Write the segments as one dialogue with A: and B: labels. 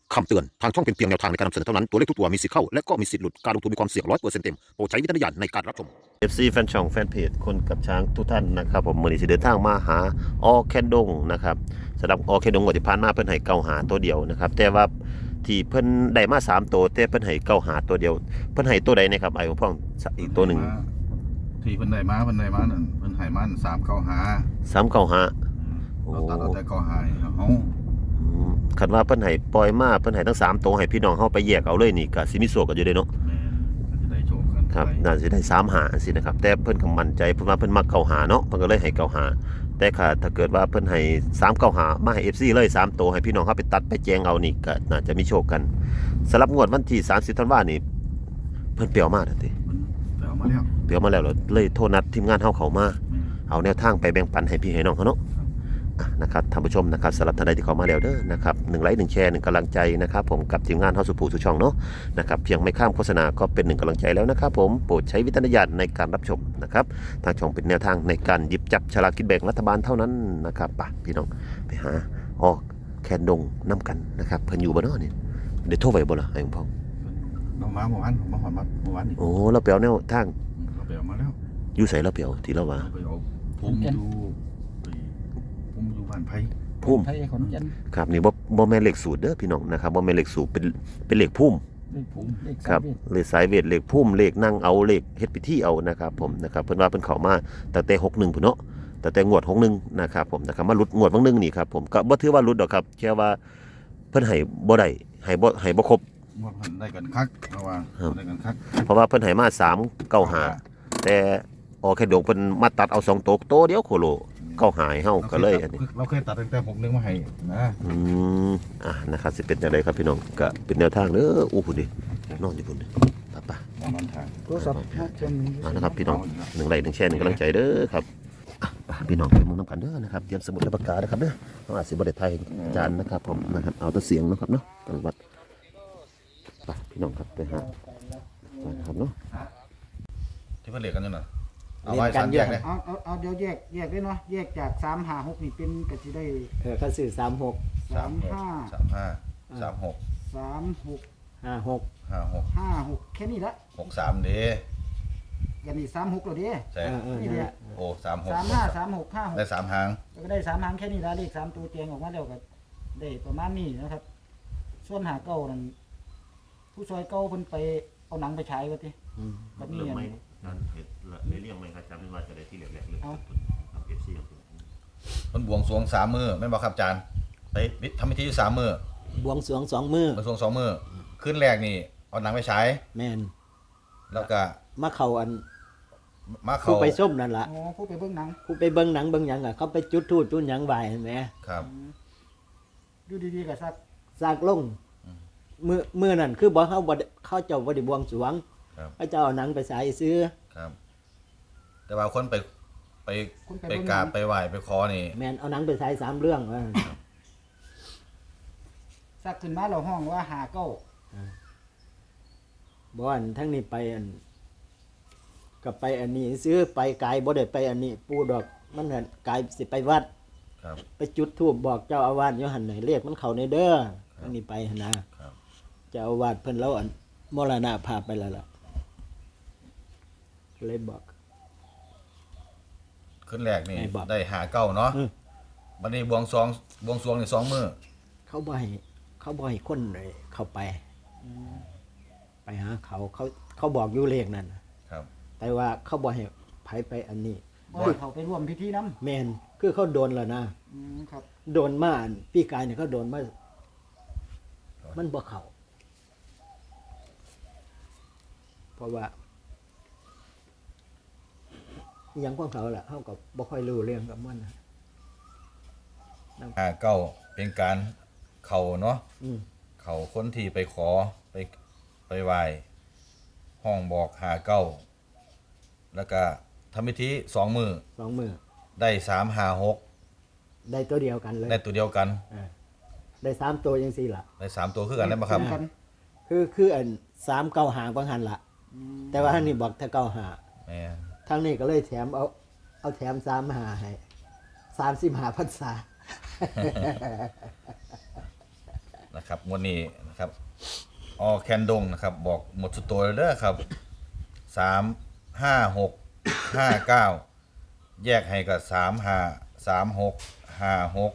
A: คำเตือนทางช่องเป็นเพียงแนวทางในการนำเสนอเท่านั้นตัวเลขทุกตัวมีสิทธิ์เข้าและก็มีสิทธิ์หลุดการลงทุนมีความเสี่ยง100%เต็มโปรดใช้วิจารณญาณในการรับชม FC แฟนช่องแฟนเพจคนกับช้างทุกท่านนะครับผมมื้อนี้สิเดินทางมาหาออแคนดงนะครับสำหรับออแคนดงงวดที่ผ่านมาเพิ่นให้เก้าหาตัวเดียวนะครับแต่ว่าที่เพิ่นได้มา3ตัวแต่เพิ่นให้เก้าหาตัวเดียวเพิ่นให้ตัวใดนะครับไอ้พ่องอีกตัวหนึ่ง
B: ที่เพิ่นได้มานั่นเพิ่นให้มัน
A: 395โอ้
B: เราตัดเอาแต่เก้าหาเฮา
A: คันว่าเพิ่นให้ปล่อยมาเพิ่นให้ทั้ง3ตัวให้พี่น้องเฮาไปแยกเอาเลยนี่ก็สิมีโชคกันอยู่เด้เนาะ
B: แม่ก็จะได้โชคกัน
A: ครับน่าสิได้3หาสินะครับแต่เพิ่นก็มั่นใจเพิ่นว่าเพิ่นมักเก้าหาเนาะเพิ่นก็เลยให้เก้าหาแต่ถ้าเกิดว่าเพิ่นให้395มาให้ FC เลย3ตัวให้พี่น้องเฮาไปตัดไปแจงเอานี่ก็น่าจะมีโชคกันสำหรับงวดวันที่30ธันวาคมนี่เพิ่นเปรียวมาทันที
B: เดี๋ยวมาแล้ว
A: เปรียวมาแล้วเลยโทรนัดทีมงานเฮาเข้ามาเอาแนวทางไปแบ่งปันให้พี่ให้น้องเขาเนาะนะครับท่านผู้ชมนะครับสำหรับท่านใดที่เข้ามาแล้วเด้อนะครับ1ไลค์1แชร์1กำลังใจนะครับผมกับทีมงานเฮาสุภูสุช่องเนาะนะครับเพียงไม่ข้ามโฆษณาก็เป็น1กำลังใจแล้วนะครับผมโปรดใช้วิจารณญาณในการรับชมนะครับทางช่องเป็นแนวทางในการหยิบจับฉลากกินแบ่งรัฐบาลเท่านั้นนะครับป่ะพี่น้องไปหาออกแคนดงน้ำกันนะครับเพิ่นอยู่บ่เนาะนี่เดี๋ยวโทรไปบ่ล่ะไอ้พ่อ
B: เรามาเมื่อวานมาหอนมาเมื่อวานนี่
A: โอ้เราเปียวแนวทาง
B: เราไปเอามาแล้ว
A: อยู่ไสเราเปียวที่เราว่า
B: ไปเอาภูมิอยู่บ้านไผ
A: พุ่ม
C: ไทยขอนแก่น
A: ครับนี่บ่แม่นเลขสูตรเด้อพี่น้องนะครับบ่แม่นเลขสูตรเป็นเลขพุ่ม
C: เลข
A: ครับเลขสายเวทเลขพุ่มเลขนั่งเอาเลขเฮ็ดพิธีเอานะครับผมนะครับเพิ่นว่าเพิ่นเข้ามาตั้งแต่61พุ่นเนาะตั้งแต่งวด61นะครับผมนะครับมาหลุดงวดบางนึงนี่ครับผมก็บ่ถือว่าหลุดดอกครับแค่ว่าเพิ่นให้บ่ได้ให้บ่ครบ
B: งวดเพิ่นได้กันคักเพราะว่าได้กันคัก
A: เพราะว่าเพิ่นให้มา395แต่ออกแค่ดงเพิ่นมาตัดเอา2ตัวเดียวโคโลเข้าหายเฮาก็เลยอันนี้
B: เราเคยตัดตั้งแต่61มาให้นะ
A: นะครับสิเป็นจังไดครับพี่น้องก็เป็นแนวทางเด้ออู้พุ่นดินอนอยู่พุ่นดิป่ะ
B: นอนทาง
C: โทรศัพท์
A: นะครับพี่น้อง1ไลค์1แชร์1กำลังใจเด้อครับพี่น้องไปมุ่งน้ำกันเด้อนะครับเตรียมสมุดและปากกานะครับเด้อเฮาอาจสิบ่ได้ไทยจานนะครับผมนะครับเอาแต่เสียงนะครับเนาะจังหวัดไปพี่น้องครับไปหานะครับเนาะ
B: ที่เพิ่นเรียกกันอยู่น่ะ
C: เอาไว้3แยกเลยเอาเดี๋ยวแยกได้เนาะแยกจาก356นี่เป็นก็สิได้
D: เขาซื้อ36
B: 35 36
C: 56แค่นี้ละ
B: 63เด้
C: กันนี่36แล้วเด้
B: ใช่
C: นี่เด้
B: โอ้36
C: 35 36 56
B: ได้3หาง
C: ก็ได้3หางแค่นี้ละเลข3ตัวเตียงออกมาแล้วก็ได้ประมาณนี้นะครับส่วนหาเก่านั่นผู้ซอยเก่าเพิ่นไปเอาหนังไปฉายว่าติก็มีอัน
A: นั่นเฮ็ดเรื่องไหมครับจำได้ว่าจะได้ที่แรกๆเลยครับ FC
B: มันบวงสรวง3มื้อแม่นบ่ครับอาจารย์ไปทำพิธี3มื้อบ
D: วงสรวง2มื้อบ
B: วงสรวง2มื้อคืนแรกนี่เอาหนังไปฉาย
D: แม่น
B: แล้วก็
D: มาเข้าอัน
B: มาเข้า
D: ผู้ไปส้มนั่นล่ะ
C: อ๋อผู้ไปเบิ่งหนัง
D: ผู้ไปเบิ่งหนังเบิ่งหยังอ่ะเขาไปจุดธูปจุดหยังไหว้เห็นมั้ย
B: ครับ
C: อยู่ดีๆก็
D: ซักลงมื้อนั้นคือบ่เขาเจ้าบ่ได้บวงสรวงเขาเจ้าเอาหนังไปฉายซื้อ
B: ครับแต่ว่าคนไปกราบไปไหว้ไปขอนี่
D: แม่นเอาหนังไปฉาย3เรื่องว่า
C: ซักขึ้นมาแล้วห้องว่าหาเก้า
D: บ่อันทั้งนี้ไปอันก็ไปอันนี้ซื้อไปกายบ่ได้ไปอันนี้ปู่ดอกมันหั่นกายสิไปวัด
B: ครับ
D: ไปจุดธูปบอกเจ้าอาวาสอยู่หั่นน่ะเรียกมันเข้าในเด้ออันนี้ไปหั่นนะครับเจ้าอาวาสเพิ่นแล้วอันมรณภาพไปแล้วล่ะเลยบอก
B: ขึ้นแรกนี่ได้หาเก้าเนาะบัดนี้บวงสรวงนี่2มื้อ
D: เขาบ่ให้คนเข้าไปหาเขาบอกอยู่เลขนั่น
B: ครับ
D: แต่ว่าเขาบ่ให้ไผไปอันนี้
C: บ่ให้เขาไปร่วมพิธีนำ
D: แม่นคือเขาโดนแล้วนะครับโดนมาพี่กายเนี่ยเขาโดนมามันบ่เข้าเพราะว่ายังของเขาแหละเขาก็บ่ค่อยรู้เรื่องกับมัน
B: เก้าเป็นการเข้าเนาะเข้าคนที่ไปขอไปไหว้ห้องบอกหาเก้าแล้วก็ทำพิธี2มื้อได้3 5 6
D: ได้ตัวเดียวกันเลย
B: ได้ตัวเดียวกัน
D: ได้3ตัวจังซี่ล่ะ
B: ได้3ตัวคือกันได้บ่ครับ
D: คืออัน3 9 5บางหันล่ะแต่ว่าอันนี้บอกถ้า9 5
B: แม่
D: ทางนี้ก็เลยแถมเอาแถม3 5ให้35พรรษา
B: นะครับงวดนี้นะครับออแคนดงนะครับบอกหมดสุดตัวเลยเด้อครับ3 5 6 5 9แยกให้กับ3 5 3 6 5 6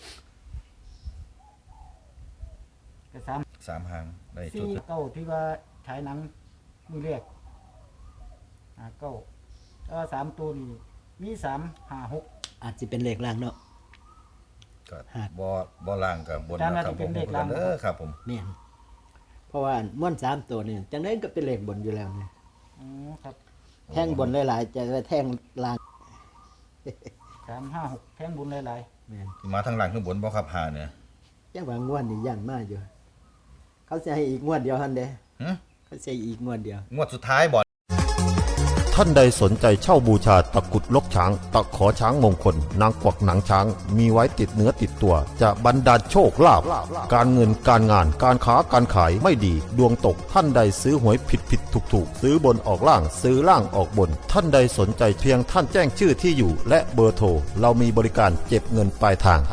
C: ก็สาม
B: 3หางได้จุ
C: สี่
B: ด
C: เก้าที่ว่าฉายหนังมือแรกเก้าแล้วสามตัวนี่มี3 5 6
D: อาจสิเป็นเลขล่างเนาะ
B: ก็
D: ฮะ
B: บ่ล่างกับบน
C: อาจารย์
B: นะครับ
C: ว่าจะเป็นเลข
B: ผม
C: ล่าง
B: เด้อครับผม
D: แม่นเพราะว่าม่วน3ตัวนี่จังได๋ก็เป็นเลขบนอยู่แล้วนี่
C: อ๋อครับ
D: แท่งบนหลายๆจะไปแท่งล่าง
C: 3 5 6แท่งบุญหลาย
D: แม่น
B: ที่มาทางหลังข้างบนบ่ครับหาเนี่ย
D: จังว่างวดนี่ย่านมาอยู่ เขาสิให้อีกงวดเดียวหั่นเด้
B: หึ
D: เขาสิให้อีกงวดเดียว
B: งวดสุดท้ายบ่
A: ท่านใดสนใจเช่าบูชาตะกรุดลกช้าง ตะขอช้างมงคล นางกวักหนังช้าง มีไว้ติดเนื้อติดตัว จะบรรดาลโชคลาภการเงินการงานการค้าการขายไม่ดี ดวงตกท่านใดซื้อหวยผิดถูกซื้อบนออกล่างซื้อล่างออกบน ท่านใดสนใจเพียงท่านแจ้งชื่อที่อยู่ และเบอร์โทรเรามีบริการเก็บเงินปลายทาง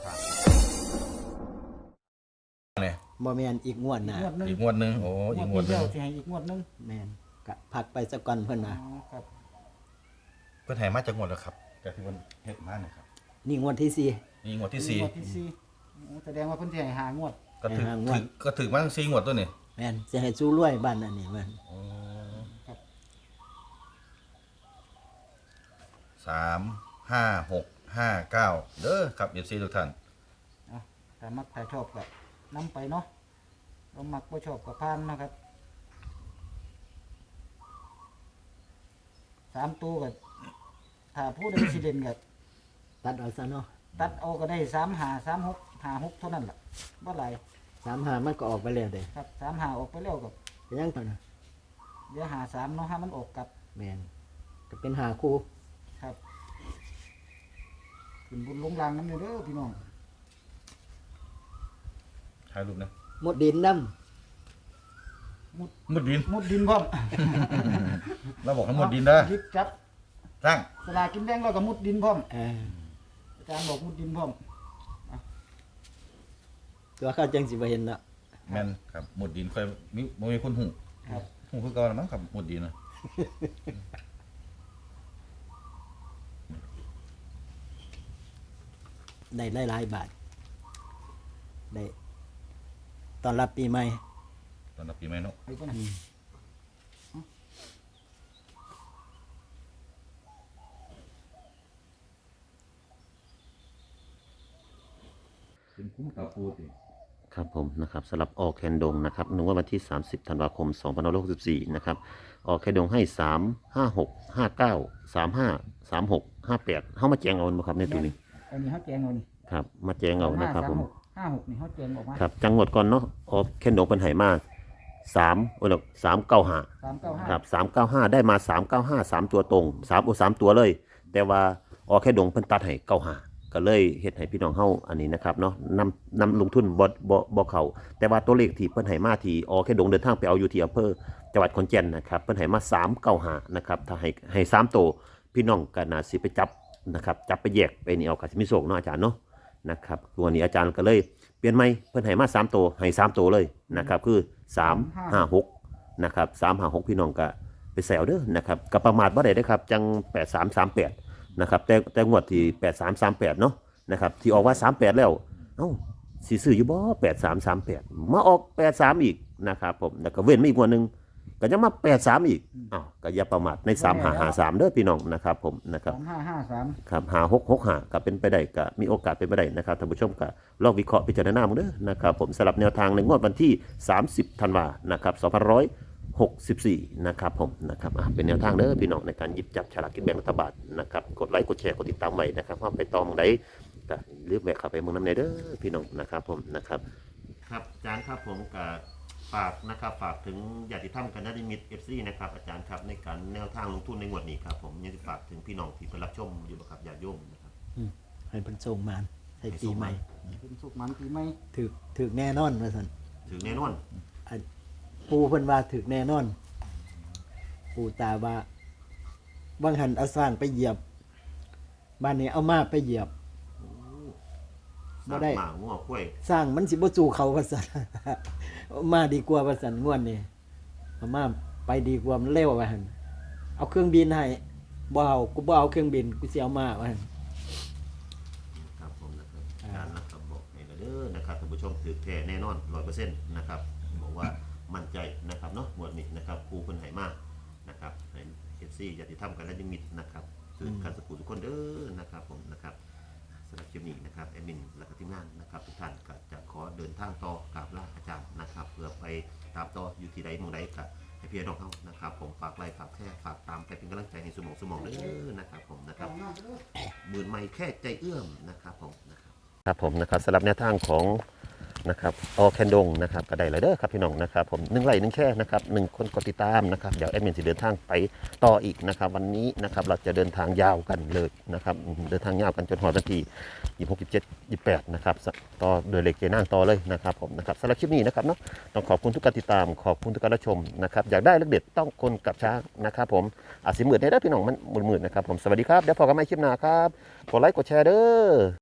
B: เนี่ย
D: บ่แม่นอีกงวดห
C: ๆ
D: น้า
C: งวดหนึง
B: อีกงวดหนึงโอ้อีกงวดหนึ
C: เดี
B: ง
C: ยวสิให้อีกงวดหนึง
D: แม่นก็พักไปสักก่อนเพิ่น
C: อ๋
D: ว่า
C: อครับ
B: เพิ่นให้มาจากงวดแล้วครับจากที่เพิ่นเฮ็ดมาเนี่ยครับ
D: นี่งวดที่สี่
B: นี่งวดที่สี่
C: งวดที่สี่โอ้แสดงว่าเพิ่นสิให้5 งวด
B: ก็ถึก
D: ให้หางวด
B: ก็ถึกมาทั้ง4งวดตัวนี่
D: แม่นสิให้สู้รวยบ้านอันนี้มัน
B: 3 5 6 5 9เด้อครับ FC ทุกท่าน
C: ถ้ามักถ้าชอบก็นํไปเนาะเรามักบ่ชอบก็ผ่านนะครับ3ตัวก็ถ้าผู้ใดสิเล่นก็
D: ตัดเอาซะเนาะ
C: ตัดเอาก็ได้3 5 3 6 5 6เท่านั้นล่ะบ่หลาย
D: 35มันก็ออกไปแล้วเด้
C: ครับ3 5ออกไปแล้วก็
D: ก็ยังเท่านั้น
C: เดี๋ยว5 3เนาะถ้ามันออกกลับ
D: แม่นก็เป็นหาคู่
C: ครับขึ้นบุญลงรางนำเด้อพี่น้อง
B: ถ่ายรูปนะ
D: หมดดินนำ
B: มุดดิน
C: มุดดินพร้อม
B: เราบอกให้มุดดินเด้อ
C: หยิบจับ
B: ตั้ง
C: สลากกินแบ่งแล้วก็มุดดินพร้อม
D: เออ
C: อาจารย์บอกมุดดินพร้อม
D: ตัวเขาจังสิบ่เห็นเนาะ
B: แม่นครับมุดดินค่อยมีบ่มีคนหู
C: ครับ
B: หูคือเก่าแล้วมั้งครับมุดดินนะ
D: ได้หลายๆบาทได้ตอนรับปีใหม่
B: ตอนรับปีใหม่เนาะ
C: ไปก่อนนะ
B: เป็นคุ้มกับปูติ
A: ครับผมนะครับสำหรับออแคนดงนะครับนึกว่าวันที่ 30 ธันวาคม 2564นะครับออแคนดงให้ 3 5 6 5 9 3 5 3 6 5 8เฮามาแจงเอาบ่ครับในตัวนี้
C: อันนี้เขาแจงเอานี่
A: ครับมาแจงเอานะครับผม
C: 5 6นี่เขาแจงออกมา
A: ครับจังหวัดก่อนเนาะออแคนดงเป็นไหมา3โอ้ย395
C: 395
A: ครับ395ได้มา395 3ตัวตรง3ตัวเลย แต่ว่าออแค่ดงเพิ่นตัดให้95ก็เลยเฮ็ดให้พี่น้องเฮาอันนี้นะครับเนาะนำลงทุนบ่เข้าแต่ว่าตัวเลขที่เพิ่นให้มาที่ออแค่ดงเดินทางไปเอาอยู่ที่อำเภอจังหวัดขอนแก่นนะครับเพิ่นให้มา395นะครับถ้าให้3ตัวพี่น้องก็น่าสิไปจับนะครับจับไปแยกไปนี่เอาก็สิมีโชคเนาะอาจารย์เนาะนะครับตัวนี้อาจารย์ก็เลยเปลี่ยนใหม่เพิ่นให้มา3ตัวให้3ตัวเลยนะครับคือ356นะครับ356พี่น้องก็ไปแซวเด้อนะครับก็ประมาทบ่ได้เด้อครับจัง8338นะครับแต่งวดที่8338เนาะนะครับที่ออกว่า38แล้วเอ้าสิซื้ออยู่บ่8338มาออก83อีกนะครับผมแล้วก็เว้นมาอีกงวดหนึงก็ยังมา83อีกอ้าวก็อย่าประมาทใน3553เด้อพี่น้องนะครับผมนะครับ
C: 3553
A: ครับ5665ก็เป็นไปได้ก็มีโอกาสเป็นไปได้นะครับท่านผู้ชมก็ลองวิเคราะห์พิจารณามึงเด้อนะครับผมสำหรับแนวทางในงวดวันที่ 30 ธันวานะครับ2564นะครับผมนะครับเป็นแนวทางเด้อพี่น้องในการหยิบจับฉลากกินแบ่งรัฐบาลนะครับกดไลค์กดแชร์กดติดตามไว้นะครับว่าไปตอมงใดก็รีบแวะเข้าไปเมืองน้ำในเด้อพี่น้องนะครับผมนะครับครับอาจารย์ครับผมกับฝากนะครับฝากถึงญาติธรรมกันนิมิต FC นะครับอาจารย์ครับในการแนวทางลงทุนในงวดนี้ครับผมยังจะฝากถึงพี่น้องที่เพิ่นรับชมอยู่บ่ครับญาติโยมนะครับ
D: ให้เพิ่นส่งมาใส่ปีใหม่
C: เป็นสุขมันปีใหม่
D: ถึกแน่นอนว่าซั่น
A: ถึงแน่นอน
D: ปูเพิ่นว่าถึกแน่นอน ปูตาว่าบางหันเอาสร้างไปเหยียบบ้านนี้เอามาไปเหยียบ
A: สร้าง
D: ได้
A: หมางัวกล้วย
D: สร้างมันสิบ่สู้เขาว่าซั่น มาดีกว่าว่าซั่นงวดนี้เอามาไปดีกว่ามันเร็วว่าหั่นเอาเครื่องบินให้บ่เอากูบ่เอาเครื่องบินกูสิเอามาว่าหั่น
A: ครับผมนะครับการนะครับบอกให้เด้อนะครับท่านผู้ชมถือแท้แน่นอน 100% นะครับบอกว่ามั่นใจนะครับเนาะงวดนี้นะครับครูเพิ่นให้มานะครับให้ FC ญาติธรรมกันและยังมิตรนะครับคือกันสักทุกคนเด้อนะครับผมนะครับสำหรับคลิปนี้นะครับแอดมินและก็ทีมงานนะครับทุกท่านก็จะขอเดินทางต่อกราบลาอาจารย์นะครับเพื่อไปตามต่ออยู่ที่ใดหมู่ใดก็ให้พี่น้องเฮานะครับผมฝากไลค์ฝากแชร์ฝากตามไปเป็นกำลังใจให้สมองเด้อนะครับผมนะครับหมื่นไม่แค่ใจเอื้อมนะครับผมนะครับผมนะครับสำหรับแนวทางของนะครับออแคนดงนะครับก็ได้เลยเด้อครับพี่น้องนะครับผม1 ไลค์ 1 แชร์นะครับ1 คนกดติดตามนะครับเดี๋ยวแอดมินจะเดินทางไปต่ออีกนะครับวันนี้นะครับเราจะเดินทางยาวกันเลยนะครับเดินทางยาวกันจนหอดวันที่26 27 28นะครับต่อโดยเลขเจนั่งต่อเลยนะครับผมนะครับสำหรับคลิปนี้นะครับเนาะต้องขอบคุณทุกการติดตามขอบคุณทุกการรับชมนะครับอยากได้เลขเด็ดต้องคนกับช้างนะครับผมอาจสิหมื่นได้พี่น้องมันหมื่นนะครับผมสวัสดีครับเดี๋ยวพบกันใหม่คลิปหน้าครับกดไลค์กดแชร์เด้อ